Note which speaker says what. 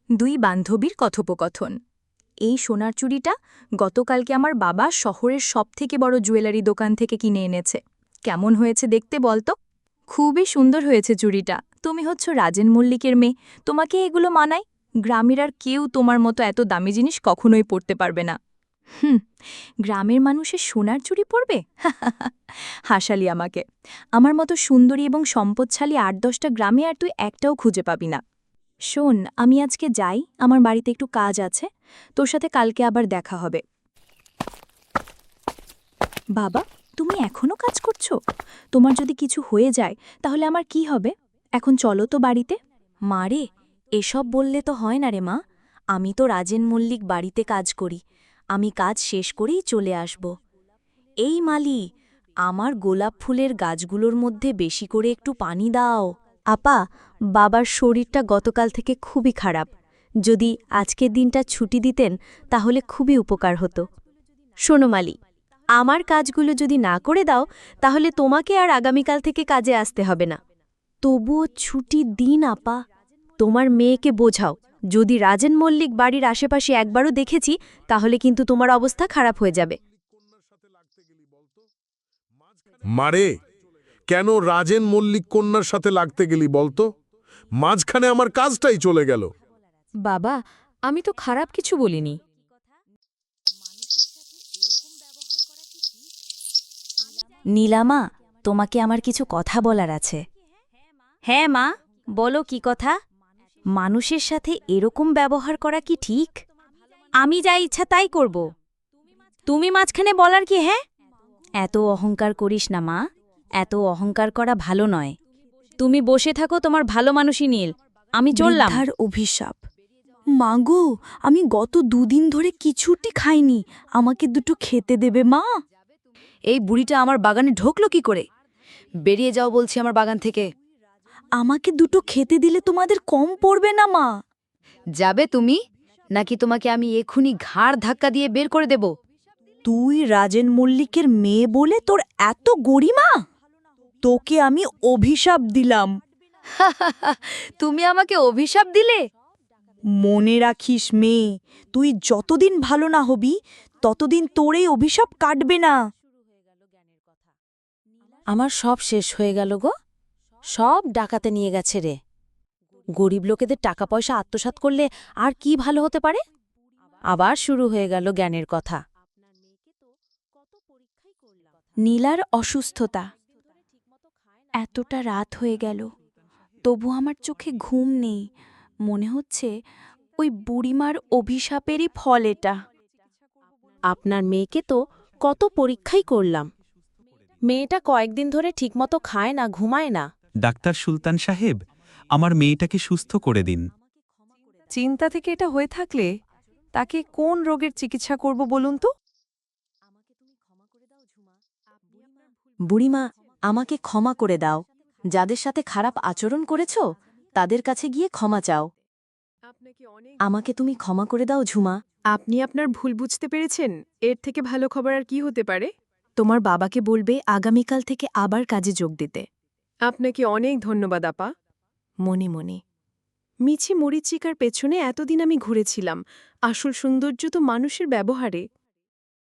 Speaker 1: দুই বান্ধবীর কথোপকথন। এই সোনার চুড়িটা গতকালকে আমার বাবা শহরের সবথেকে বড় জুয়েলারি দোকান থেকে কিনে এনেছে। কেমন হয়েছে দেখতে বলতো? খুবই সুন্দর হয়েছে চুড়িটা। তুমি হচ্ছ রাজেন মল্লিকের মেয়ে, তোমাকে এগুলো মানায়। গ্রামের আর কেউ তোমার মতো এত দামি জিনিস কখনোই পরতে পারবে না। গ্রামের মানুষের সোনার চুড়ি পরবে? হাসালি আমাকে। আমার মতো সুন্দরী এবং সম্পদশালী ৮-১০টা গ্রামে আর তুই একটাও খুঁজে পাবি না। শোন, আমি আজকে যাই, আমার বাড়িতে একটু কাজ আছে, তোর সাথে কালকে আবার দেখা হবে। বাবা, তুমি এখনো কাজ করছো? তোমার যদি কিছু হয়ে যায় তাহলে আমার কি হবে? এখন চলো তো বাড়িতে। মা রে, এসব বললে তো হয় না রে মা। আমি তো রাজেন মল্লিক বাড়িতে কাজ করি, আমি কাজ শেষ করেই চলে আসব। এই মালি, আমার গোলাপ ফুলের গাছগুলোর মধ্যে বেশি করে একটু পানি দাও। আপা, বাবার শরীরটা গতকাল থেকে খুবই খারাপ, যদি আজকের দিনটা ছুটি দিতেন তাহলে খুবই উপকার হতো। শোনো মালি, আমার কাজগুলো যদি না করে দাও তাহলে তোমাকে আর আগামীকাল থেকে কাজে আসতে হবে না। তবুও ছুটি দিন আপা। তোমার মেয়েকে বোঝাও, যদি রাজেন মল্লিক বাড়ির আশেপাশে একবারও দেখেছি তাহলে কিন্তু তোমার অবস্থা খারাপ হয়ে যাবে।
Speaker 2: মারে, কেন রাজেন মল্লিক কন্যার সাথে লাগতে গেলি বলতো? মাঝখানে আমার কাজটাই চলে গেল।
Speaker 3: বাবা, আমি তো খারাপ কিছু বলিনি।
Speaker 1: নীলামা, তোমাকে আমার কিছু কথা বলার আছে। হ্যাঁ মা, বলো কি কথা? মানুষের সাথে এরকম ব্যবহার করা কি ঠিক? আমি যা ইচ্ছা তাই করব। তুমি মাঝখানে বলার কি? হ্যাঁ, এত অহংকার করিস না মা, এত অহংকার করা ভালো নয়। তুমি বসে থাকো, তোমার ভালো মানুষই নীল, আমি চললাম।
Speaker 4: বৃদ্ধার অভিশাপ। মাগো, আমি গত দুদিন ধরে কিছুটি খাইনি, আমাকে দুটো খেতে দেবে মা?
Speaker 3: এই বুড়িটা আমার বাগানে ঢোকলো কি করে? বেরিয়ে যাও বলছি আমার বাগান থেকে।
Speaker 4: আমাকে দুটো খেতে দিলে তোমাদের কম পড়বে না মা?
Speaker 3: যাবে তুমি, নাকি তোমাকে আমি এক্ষুনি ঘাড় ধাক্কা দিয়ে বের করে দেব?
Speaker 4: তুই রাজেন মল্লিকের মেয়ে বলে তোর এত গরিমা? তোকে আমি অভিশাপ দিলাম।
Speaker 3: তুমি আমাকে অভিশাপ দিলে?
Speaker 4: মনে রাখিস মেয়ে, তুই যতদিন ভালো না হবি ততদিন তোর এই অভিশাপ কাটবে না।
Speaker 5: আমার সব শেষ হয়ে গেল গো, সব ডাকাতে নিয়ে গেছে রে। গরিব লোকেদের টাকা পয়সা আত্মসাৎ করলে আর কি ভালো হতে পারে? আবার শুরু হয়ে গেল জ্ঞানের কথা।
Speaker 4: নীলার অসুস্থতা। এতটা রাত হয়ে গেল, তবু আমার চোখে ঘুম নেই। মনে হচ্ছে ওই বুড়িমার অভিশাপেরই ফল এটা।
Speaker 5: আপনার মেয়েকে তো কত পরীক্ষাই করলাম, মেয়েটা কয়েকদিন ধরে ঠিকমতো খায় না, ঘুমায় না।
Speaker 6: ডাক্তার সুলতান সাহেব, আমার মেয়েটাকে সুস্থ করে দিন।
Speaker 7: চিন্তা থেকে এটা হয়ে থাকলে তাকে কোন রোগের চিকিৎসা করব বলুন তো?
Speaker 5: বুড়িমা, আমাকে ক্ষমা করে দাও। যাদের সাথে খারাপ আচরণ করেছ তাদের কাছে গিয়ে ক্ষমা চাও। আমাকে তুমি ক্ষমা করে দাও ঝুমা।
Speaker 8: আপনি আপনার ভুল বুঝতে পেরেছেন, এর থেকে ভালো খবর আর কি হতে পারে?
Speaker 1: তোমার বাবাকে বলবে আগামীকাল থেকে আবার কাজে যোগ দিতে।
Speaker 8: আপনাকে অনেক ধন্যবাদ আপা।
Speaker 1: মনে মনে।
Speaker 8: মিছি মরিচিকার পেছনে এতদিন আমি ঘুরেছিলাম, আসল সৌন্দর্য তো মানুষের ব্যবহারে।